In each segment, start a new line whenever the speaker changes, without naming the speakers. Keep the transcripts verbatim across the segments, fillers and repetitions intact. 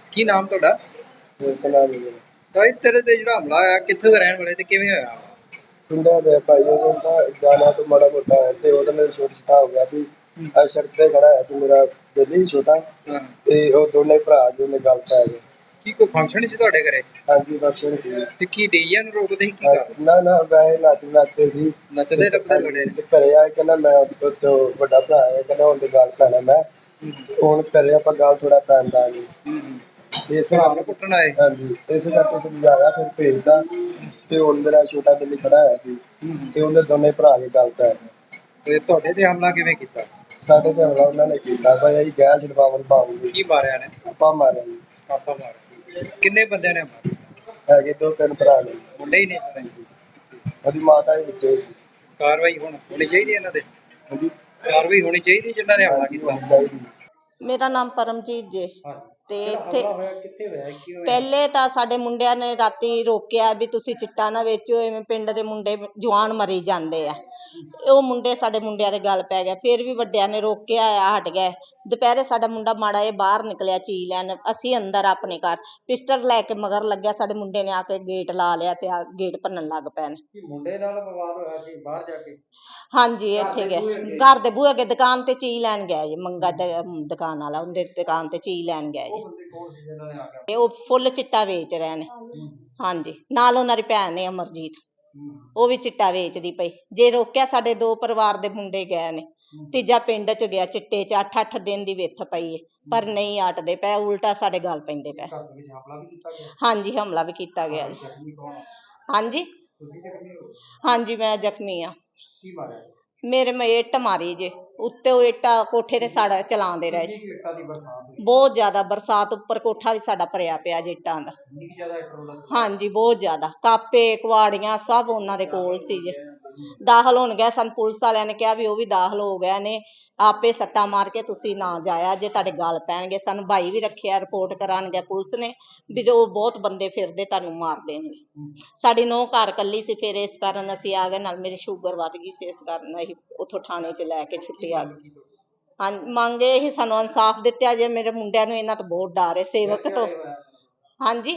ਕੀ ਨਾਮ ਤੁਹਾਡਾ?
ਸਿਲਸਿਲਾ ਨਹੀਂ ਹੈ।
ਸਾਹਿਬ ਤੇਰੇ ਤੇ ਜਿਹੜਾ ਹਮਲਾ ਹੋਇਆ ਕਿੱਥੇ ਦੇ ਰਹਿਣ ਵਾਲੇ ਤੇ ਕਿਵੇਂ ਹੋਇਆ?
ਪਿੰਡਾਂ ਦੇ ਭਾਈ ਉਹ ਤਾਂ ਜਾਣਾ ਤੋਂ ਮਾੜਾ ਮੋਟਾ ਹੈ ਤੇ ਉਹਦੇ ਨਾਲ ਛੋਟਾ ਛੋਟਾ ਹੋ ਗਿਆ ਸੀ। ਅੱਜ ਸੜਕ ਤੇ ਖੜਾ ਹੋਇਆ ਸੀ ਮੇਰਾ ਬੇਲੀ ਛੋਟਾ
ਹਾਂ।
ਤੇ ਉਹ ਦੋਨੇ ਭਰਾ ਜੋ ਨੇ ਗੱਲ ਪੈ ਗਏ।
ਕੀ ਕੋਈ ਫੰਕਸ਼ਨ ਸੀ ਤੁਹਾਡੇ ਘਰੇ?
ਹਾਂਜੀ ਬਖਸ਼ਣ ਸੀ।
ਤੇ ਕੀ ਡੀਜੇ ਨੂੰ ਰੋਕਦੇ ਸੀ ਕੀ
ਹਾਂ,
ਕਰ?
ਨਾ ਨਾ ਵੈਸੇ ਨੱਚ ਨੱਚਦੇ ਸੀ।
ਨੱਚਦੇ ਟੱਪਦੇ ਲੜੇ ਨੇ?
ਤੇ ਘਰੇ ਆ ਕੇ ਕਹਿੰਦਾ ਮੈਂ ਉਹ ਤੋਂ ਵੱਡਾ ਭਰਾ ਹੈ ਕਹਿੰਦਾ ਹੁਣ ਤੇ ਗੱਲ ਪੈਣਾ ਮੈਂ
ਹੂੰ
ਹੁਣ ਘਰੇ ਆਪਾਂ ਗੱਲ ਥੋੜਾ ਪੈਂਦਾ ਨਹੀਂ
ਹੂੰ।
ਇਸ
ਭਰਾ ਨੂੰ
ਕਰਕੇ
ਕੁੱਟਣ ਆਏ?
ਹਾਂਜੀ ਇਸੇ ਕਰਕੇ ਸਮਝਾਇਆ ਫਿਰ ਭੇਜਦਾ ਤੇ ਹੁਣ ਮੇਰਾ ਛੋਟਾ ਬੇਲੀ ਖੜਾ ਹੋਇਆ ਸੀ
ਹੂੰ।
ਤੇ ਉਹਦੇ ਦੋਨੇ ਭਰਾ ਕੇ ਗੱਲ ਪੈ ਗਏ।
ਤੇ ਤੁਹਾਡੇ ਤੇ ਹਮਲਾ ਕਿਵੇਂ ਕੀਤਾ?
ਸਾਡੇ ਤੇ ਹਮਲਾ ਉਹਨਾਂ ਨੇ ਕੀਤਾ ਭਾਈ ਅਸੀਂ ਗੈਸ ਛਡਵਾਉਣ ਪਾਉਂਗੇ
ਕੀ ਮਾਰਿਆ ਨੇ?
ਆਪਾਂ ਮਾਰਿਆ ਜੀ।
ਪਾਪਾ ਮਾਰਿਆ। ਕਿੰਨੇ ਬੰਦਿਆਂ ਨੇ ਹਮਲਾ ਕੀਤਾ?
ਹੈਗੇ ਦੋ ਤਿੰਨ ਭਰਾ ਨੇ।
ਮੁੰਡੇ ਹੀ ਨੇ ਸਾਰੇ?
ਉਹਦੀ ਮਾਤਾ ਵੀ ਵਿੱਚੇ ਸੀ।
ਕਾਰਵਾਈ ਹੁਣ ਹੋਣੀ ਚਾਹੀਦੀ ਇਹਨਾਂ ਤੇ?
ਉਹਦੀ
ਕਾਰਵਾਈ ਹੋਣੀ ਚਾਹੀਦੀ ਜਿਨ੍ਹਾਂ ਨੇ ਹਮਲਾ ਕੀਤਾ?
ਹੋਣੀ ਚਾਹੀਦੀ।
ਮੇਰਾ ਨਾਮ ਪਰਮਜੀਤ ਜੇ। ਤੇ ਇੱਥੇ
ਕਿੱਥੇ ਹੋਇਆ ਕੀ ਹੋਇਆ?
ਪਹਿਲੇ ਤਾਂ ਸਾਡੇ ਮੁੰਡਿਆਂ ਨੇ ਰਾਤੀ ਰੋਕਿਆ ਵੀ ਤੁਸੀਂ ਚਿੱਟਾ ਨਾ ਵੇਚੋ, ਐਵੇਂ ਪਿੰਡ ਦੇ ਮੁੰਡੇ ਜਵਾਨ ਮਰੀ ਜਾਂਦੇ ਆ। ਉਹ ਮੁੰਡੇ ਸਾਡੇ ਮੁੰਡਿਆਂ ਦੇ ਗੱਲ ਪੈ ਗਿਆ, ਫਿਰ ਵੀ ਵੱਡਿਆਂ ਨੇ ਰੋਕਿਆ ਆ, ਹਟ ਗਏ। ਦੁਪਹਿਰੇ ਸਾਡਾ ਮੁੰਡਾ ਮਾੜਾ ਜਿਹਾ ਬਾਹਰ ਨਿਕਲਿਆ ਚੀ ਲੈਣ, ਅਸੀਂ ਅੰਦਰ ਆਪਣੇ ਘਰ ਪਿਸਟਲ ਲੈ ਕੇ ਮਗਰ ਲੱਗਿਆ, ਸਾਡੇ ਮੁੰਡੇ ਨੇ ਆ ਕੇ ਗੇਟ ਲਾ ਲਿਆ ਤੇ ਆ ਗੇਟ ਭੰਨਣ ਲੱਗ ਪਏ ਨੇ।
ਮੁੰਡੇ ਨਾਲ ਵਿਵਾਦ ਹੋਇਆ ਸੀ ਬਾਹਰ ਜਾ ਕੇ?
ਹਾਂਜੀ ਇੱਥੇ ਗਏ ਘਰ ਦੇ ਬੂਹੇ ਅੱਗੇ ਦੁਕਾਨ ਤੇ ਚੀ ਲੈਣ ਗਿਆ ਜੀ, ਮੰਗਾ ਦੁਕਾਨ ਵਾਲਾ ਉਹਦੇ ਦੁਕਾਨ ਤੇ ਚੀ ਲੈਣ ਗਿਆ ਜੀ। ਤੇ ਉਹ ਫੁੱਲ ਚਿੱਟਾ ਵੇਚ ਰਹੇ ਨੇ। ਹਾਂਜੀ ਨਾਲ ਉਹਨਾਂ ਦੀ ਭੈਣ ਨੇ ਅਮਰਜੀਤ, ਉਹ ਵੀ ਚਿੱਟਾ ਵੇਚਦੀ ਪਈ। ਜੇ ਰੋਕਿਆ ਸਾਡੇ ਦੋ ਪਰਿਵਾਰ ਦੇ ਮੁੰਡੇ ਗਏ ਨੇ, ਤੀਜਾ ਪਿੰਡ ਚ ਗਿਆ ਚਿੱਟੇ ਚ, ਅੱਠ ਅੱਠ ਦਿਨ ਦੀ ਵਿੱਥ ਪਈ ਹੈ ਪਰ ਨਹੀਂ ਅਟਦੇ ਪਏ, ਉਲਟਾ ਸਾਡੇ ਗੱਲ ਪੈਂਦੇ ਪਏ। ਹਾਂਜੀ ਹਮਲਾ ਵੀ ਕੀਤਾ ਗਿਆ ਜੀ। ਹਾਂਜੀ ਹਾਂਜੀ ਮੈਂ ਜ਼ਖਮੀ ਆ। ਮੇਰੇ ਮੈਂ ਇੱਟ ਮਾਰੀ ਜੇ ਉੱਤੇ, ਉਹ ਇੱਟਾਂ ਕੋਠੇ ਤੇ ਸਾਡਾ ਚਲਾਉਂਦੇ ਰਹੇ ਜੀ। ਬਹੁਤ ਜ਼ਿਆਦਾ ਬਰਸਾਤ, ਉੱਪਰ ਕੋਠਾ ਵੀ ਸਾਡਾ ਭਰਿਆ ਪਿਆ ਜੀ ਇੱਟਾਂ ਦਾ। ਹਾਂਜੀ ਬਹੁਤ ਜ਼ਿਆਦਾ, ਕਾਪੇ ਕੁਹਾੜੀਆਂ ਸਭ ਉਹਨਾਂ ਦੇ ਕੋਲ ਸੀ ਜੇ। ਦਾਖਲ ਹੋਣ ਗਏ, ਸਾਨੂੰ ਪੁਲਿਸ ਵਾਲਿਆਂ ਨੇ ਕਿਹਾ ਵੀ ਉਹ ਵੀ ਦਾਖਲ ਹੋ ਗਏ ਨੇ, ਆਪੇ ਸੱਟਾਂ ਮਾਰ ਕੇ ਤੁਸੀਂ ਨਾ ਜਾਇਆ ਜੇ ਤੁਹਾਡੇ ਗੱਲ ਪੈਣਗੇ। ਸਾਨੂੰ ਭਾਈ ਵੀ ਰੱਖਿਆ, ਰਿਪੋਰਟ ਕਰਾਉਣਗੇ ਪੁਲਿਸ ਨੇ ਵੀ ਜੋ ਬਹੁਤ ਬੰਦੇ ਫਿਰਦੇ ਤੁਹਾਨੂੰ ਮਾਰ ਦੇਣਗੇ। ਸਾਡੀ ਨੂੰਹ ਘਰ ਕੱਲੀ ਸੀ, ਫਿਰ ਇਸ ਕਾਰਨ ਅਸੀਂ ਆ ਗਏ। ਨਾਲ ਮੇਰੀ ਸ਼ੂਗਰ ਵੱਧ ਗਈ ਸੀ, ਇਸ ਕਾਰਨ ਅਸੀਂ ਉੱਥੋਂ ਥਾਣੇ 'ਚ ਲੈ ਕੇ ਛੁੱਟੀ ਆ ਗਈ। ਹਾਂ ਮੰਗ ਇਹ ਹੀ ਸਾਨੂੰ ਇਨਸਾਫ ਦਿੱਤਾ ਜੇ, ਮੇਰੇ ਮੁੰਡਿਆਂ ਨੂੰ ਇਹਨਾਂ ਤੋਂ ਬਹੁਤ ਡਰ ਹੈ ਸੇਵਕ ਤੋਂ। ਹਾਂਜੀ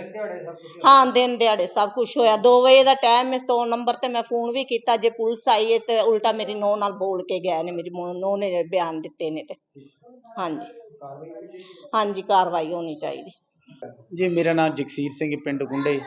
ਹਾਂ ਦਿਨ ਦਿਹਾੜੇ ਸਭ ਕੁਛ ਹੋਇਆ। ਦੋ ਵਜੇ ਦਾ ਟਾਈਮ ਹੈ, ਸੌ ਨੰਬਰ ਤੇ ਮੈਂ ਫੋਨ ਵੀ ਕੀਤਾ, ਜੇ ਪੁਲਿਸ ਆਈ ਹੈ ਤੇ ਉਲਟਾ ਮੇਰੀ ਨੂੰਹ ਨਾਲ ਬੋਲ ਕੇ ਗਏ ਨੇ, ਮੇਰੀ ਨੂੰਹ ਨੇ ਬਿਆਨ ਦਿੱਤੇ ਨੇ। ਤੇ ਹਾਂਜੀ ਹਾਂਜੀ ਕਾਰਵਾਈ ਹੋਣੀ ਚਾਹੀਦੀ
ਜੀ। ਮੇਰਾ ਨਾਮ ਜਗਸੀਰ ਸਿੰਘ, ਪਿੰਡ ਗੁੰਡੇ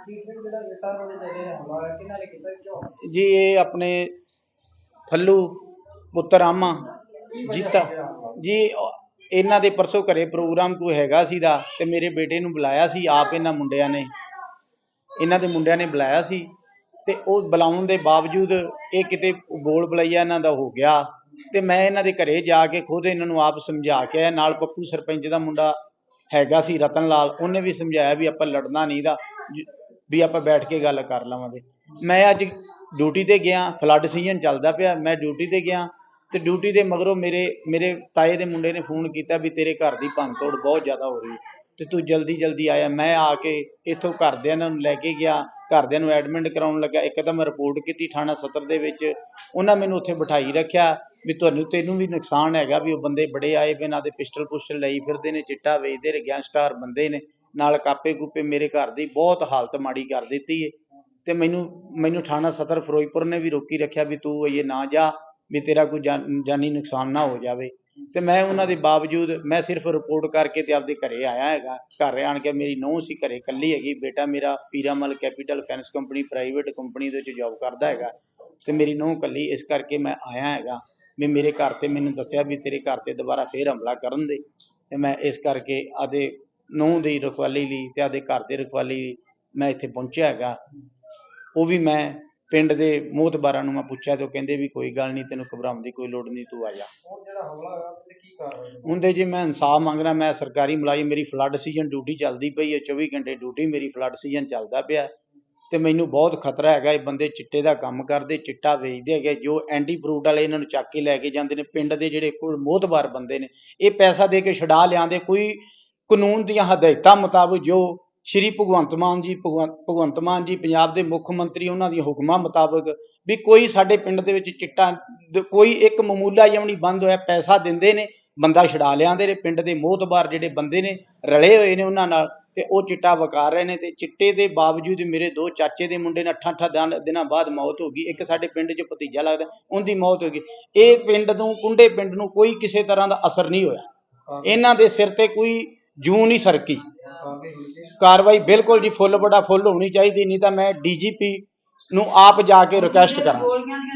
ਜੀ। ਇਹ ਆਪਣੇ ਫੱਲੂ ਪੁੱਤਰ ਆਮਾ ਜੀਤਾ ਜੀ, ਇਹਨਾਂ ਦੇ ਪਰਸੋਂ ਘਰੇ ਪ੍ਰੋਗਰਾਮ ਕੋਈ ਹੈਗਾ ਸੀਗਾ ਤੇ ਮੇਰੇ ਬੇਟੇ ਨੂੰ ਬੁਲਾਇਆ ਸੀ ਆਪ, ਇਹਨਾਂ ਮੁੰਡਿਆਂ ਨੇ ਇਹਨਾਂ ਦੇ ਮੁੰਡਿਆਂ ਨੇ ਬੁਲਾਇਆ ਸੀ ਤੇ ਉਹ ਬੁਲਾਉਣ ਦੇ ਬਾਵਜੂਦ ਇਹ ਕਿਤੇ ਬੋਲ ਬੁਲਾਈਆ ਇਹਨਾਂ ਦਾ ਹੋ ਗਿਆ ਤੇ ਮੈਂ ਇਹਨਾਂ ਦੇ ਘਰੇ ਜਾ ਕੇ ਖੁਦ ਇਹਨਾਂ ਨੂੰ ਆਪ ਸਮਝਾ ਕੇ ਆਇਆ। ਨਾਲ ਪੱਪੂ ਸਰਪੰਚ ਦਾ ਮੁੰਡਾ ਹੈਗਾ ਸੀ ਰਤਨ ਲਾਲ, ਉਹਨੇ ਵੀ ਸਮਝਾਇਆ ਵੀ ਆਪਾਂ ਲੜਨਾ ਨਹੀਂ ਦਾ, ਵੀ ਆਪਾਂ ਬੈਠ ਕੇ ਗੱਲ ਕਰ ਲਵਾਂਗੇ। ਮੈਂ ਅੱਜ ਡਿਊਟੀ ਤੇ ਗਿਆ, ਫਲੱਡ ਸੀਜ਼ਨ ਚੱਲਦਾ ਪਿਆ, ਮੈਂ ਡਿਊਟੀ ਤੇ ਗਿਆ ਤੇ ਡਿਊਟੀ ਦੇ ਮਗਰੋਂ ਮੇਰੇ ਮੇਰੇ ਤਾਏ ਦੇ ਮੁੰਡੇ ਨੇ ਫੋਨ ਕੀਤਾ ਵੀ ਤੇਰੇ ਘਰ ਦੀ ਭੰਨ ਤੋੜ ਬਹੁਤ ਜ਼ਿਆਦਾ ਹੋ ਰਹੀ ਤੇ ਤੂੰ ਜਲਦੀ ਜਲਦੀ ਆਇਆ। ਮੈਂ ਆ ਕੇ ਇੱਥੋਂ ਘਰਦਿਆਂ ਨੂੰ ਲੈ ਕੇ ਗਿਆ, ਘਰਦਿਆਂ ਨੂੰ ਐਡਮਿਟ ਕਰਾਉਣ ਲੱਗਾ। ਇੱਕ ਤਾਂ ਮੈਂ ਰਿਪੋਰਟ ਕੀਤੀ ਥਾਣਾ ਸਦਰ ਦੇ ਵਿੱਚ, ਉਹਨਾਂ ਮੈਨੂੰ ਉੱਥੇ ਬਿਠਾਈ ਰੱਖਿਆ ਵੀ ਤੁਹਾਨੂੰ ਤੈਨੂੰ ਵੀ ਨੁਕਸਾਨ ਹੈਗਾ, ਵੀ ਉਹ ਬੰਦੇ ਬੜੇ ਆਏ ਬਿਨਾਂ ਦੇ ਪਿਸਟਲ ਪੁਸਟਲ ਲਈ ਫਿਰਦੇ ਨੇ, ਚਿੱਟਾ ਵੇਚਦੇ ਨੇ, ਗੈਂਗਸਟਰ ਬੰਦੇ ਨੇ, ਨਾਲ ਕਾਪੇ ਕੂਪੇ। ਮੇਰੇ ਘਰ ਦੀ ਬਹੁਤ ਹਾਲਤ ਮਾੜੀ ਕਰ ਦਿੱਤੀ ਹੈ ਤੇ ਮੈਨੂੰ ਮੈਨੂੰ ਥਾਣਾ ਸਦਰ ਫਿਰੋਜ਼ਪੁਰ ਨੇ ਵੀ ਰੋਕੀ ਰੱਖਿਆ ਵੀ ਤੂੰ ਇਹ ਨਾ ਜਾ, ਵੀ ਤੇਰਾ ਕੋਈ ਜਾਨੀ ਨੁਕਸਾਨ ਨਾ ਹੋ ਜਾਵੇ। ਤੇ ਮੈਂ ਉਹਨਾਂ ਦੇ ਬਾਵਜੂਦ ਮੈਂ ਸਿਰਫ ਰਿਪੋਰਟ ਕਰਕੇ ਤੇ ਆਪਦੇ ਘਰੇ ਆਇਆ ਹੈਗਾ। ਘਰ ਆਣ ਕੇ ਮੇਰੀ ਨੂੰਹ ਸੀ ਘਰੇ ਇਕੱਲੀ ਹੈਗੀ, ਬੇਟਾ ਮੇਰਾ Piramal capital finance company private company ਦੇ ਵਿੱਚ ਜੋਬ ਕਰਦਾ ਹੈਗਾ ਤੇ ਮੇਰੀ ਨੂੰਹ ਇਕੱਲੀ, ਇਸ ਕਰਕੇ ਮੈਂ ਆਇਆ ਹੈਗਾ ਵੀ ਮੇਰੇ ਘਰ ਤੇ ਮੈਨੂੰ ਦੱਸਿਆ ਵੀ ਤੇਰੇ ਘਰ ਤੇ ਦੁਬਾਰਾ ਫੇਰ ਹਮਲਾ ਕਰਨ ਦੇ, ਤੇ ਮੈਂ ਇਸ ਕਰਕੇ ਆਦੇ ਨੂੰਹ ਦੀ ਰਖਵਾਲੀ ਲਈ ਤੇ ਆਦੇ ਘਰ ਦੇ ਰਖਵਾਲੀ ਲਈ ਮੈਂ ਇੱਥੇ ਪਹੁੰਚਿਆ ਹੈਗਾ। ਉਹ ਵੀ ਮੈਂ ਪਿੰਡ ਦੇ ਮੋਹਤਬਾਰਾਂ ਨੂੰ ਮੈਂ ਪੁੱਛਿਆ ਤੇ ਉਹ ਕਹਿੰਦੇ ਵੀ ਕੋਈ ਗੱਲ ਨਹੀਂ, ਤੈਨੂੰ ਘਬਰਾਉਣ ਦੀ ਕੋਈ ਲੋੜ ਨਹੀਂ, ਤੂੰ ਆ ਜਾ। ਹੁੰਦੇ ਜੀ ਮੈਂ ਇਨਸਾਫ ਮੰਗਣਾ। ਮੈਂ ਸਰਕਾਰੀ ਮੁਲਾਜ਼ਮ, ਮੇਰੀ ਫਲੱਡ ਸੀਜ਼ਨ ਡਿਊਟੀ ਚੱਲਦੀ ਪਈ ਹੈ, ਚੌਵੀ ਘੰਟੇ ਡਿਊਟੀ ਮੇਰੀ ਫਲੱਡ ਸੀਜ਼ਨ ਚੱਲਦਾ ਪਿਆ ਤੇ ਮੈਨੂੰ ਬਹੁਤ ਖਤਰਾ ਹੈਗਾ। ਇਹ ਬੰਦੇ ਚਿੱਟੇ ਦਾ ਕੰਮ ਕਰਦੇ, ਚਿੱਟਾ ਵੇਚਦੇ ਹੈਗੇ, ਜੋ ਐਂਟੀ ਫਰੂਟ ਵਾਲੇ ਇਹਨਾਂ ਨੂੰ ਚੱਕ ਕੇ ਲੈ ਕੇ ਜਾਂਦੇ ਨੇ। ਪਿੰਡ ਦੇ ਜਿਹੜੇ ਕੋਈ ਮੋਹਤਬਾਰ ਬੰਦੇ ਨੇ ਇਹ ਪੈਸਾ ਦੇ ਕੇ ਛੁਡਾ ਲਿਆਂਦੇ, ਕੋਈ ਕਾਨੂੰਨ ਦੀਆਂ ਹਦਾਇਤਾਂ ਮੁਤਾਬਕ ਜੋ ਸ਼੍ਰੀ ਭਗਵੰਤ ਮਾਨ ਜੀ ਭਗਵੰਤ ਭਗਵੰਤ ਮਾਨ ਜੀ ਪੰਜਾਬ ਦੇ ਮੁੱਖ ਮੰਤਰੀ, ਉਹਨਾਂ ਦੀਆਂ ਹੁਕਮਾਂ ਮੁਤਾਬਕ ਵੀ ਕੋਈ ਸਾਡੇ ਪਿੰਡ ਦੇ ਵਿੱਚ ਚਿੱਟਾ ਕੋਈ ਇੱਕ ਮਾਮੂਲਾ ਜਿਹਾ ਵੀ ਨਹੀਂ ਬੰਦ ਹੋਇਆ। ਪੈਸਾ ਦਿੰਦੇ ਨੇ ਬੰਦਾ ਛਡਾ ਲਿਆਂਦੇ ਨੇ। ਪਿੰਡ ਦੇ ਮੋਹਤਬਾਰ ਜਿਹੜੇ ਬੰਦੇ ਨੇ ਰਲੇ ਹੋਏ ਨੇ ਉਹਨਾਂ ਨਾਲ, ਤੇ ਉਹ ਚਿੱਟਾ ਵਿਕਾਰ ਰਹੇ ਨੇ। ਤੇ ਚਿੱਟੇ ਦੇ ਬਾਵਜੂਦ ਮੇਰੇ ਦੋ ਚਾਚੇ ਦੇ ਮੁੰਡੇ ਨੇ ਅੱਠਾਂ ਅੱਠਾਂ ਦਿਨ- ਦਿਨਾਂ ਬਾਅਦ ਮੌਤ ਹੋ ਗਈ। ਇੱਕ ਸਾਡੇ ਪਿੰਡ 'ਚ ਭਤੀਜਾ ਲੱਗਦਾ, ਉਹਦੀ ਮੌਤ ਹੋ ਗਈ। ਇਹ ਪਿੰਡ ਨੂੰ, ਕੁੰਡੇ ਪਿੰਡ ਨੂੰ ਕੋਈ ਕਿਸੇ ਤਰ੍ਹਾਂ ਦਾ ਅਸਰ ਨਹੀਂ ਹੋਇਆ। ਇਹਨਾਂ ਦੇ ਸਿਰ ਤੇ ਕੋਈ ਜੂੰ ਨਹੀਂ ਸਰਕੀ। ਕਾਰਵਾਈ ਬਿਲਕੁਲ ਜੀ ਫੁੱਲ ਬੜਾ ਫੁੱਲ ਹੋਣੀ ਚਾਹੀਦੀ, ਨਹੀਂ ਤਾਂ ਮੈਂ ਡੀ ਜੀ ਪੀ ਨੂੰ ਆਪ ਜਾ ਕੇ ਰਿਕੁਐਸਟ ਕਰਾਂ।